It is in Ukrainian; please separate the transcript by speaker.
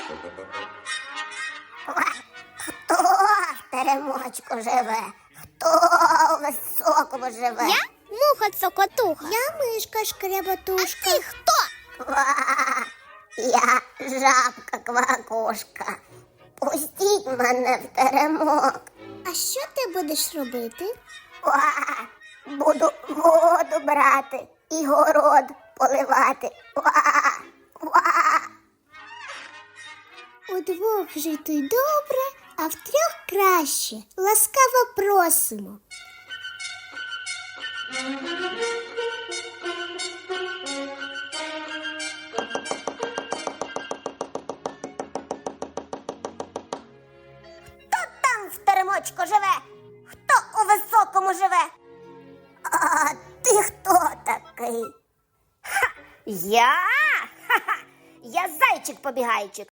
Speaker 1: Хто в теремочку живе? Хто у високому живе?
Speaker 2: Я муха-цокотуха.
Speaker 1: Я мишка шкряботушка.
Speaker 2: А ти хто?
Speaker 1: Ква! Я жабка-квакушка. Пустіть мене в теремок.
Speaker 2: А що ти будеш робити?
Speaker 1: Ква! Буду воду брати і город поливати. Ква! Ква!
Speaker 2: Удвох жити добре, а втрьох краще. Ласкаво просимо.
Speaker 1: Хто там в теремочку живе? Хто у високому живе? А ти хто такий?
Speaker 3: Я? Ха-ха! Я зайчик-побігайчик.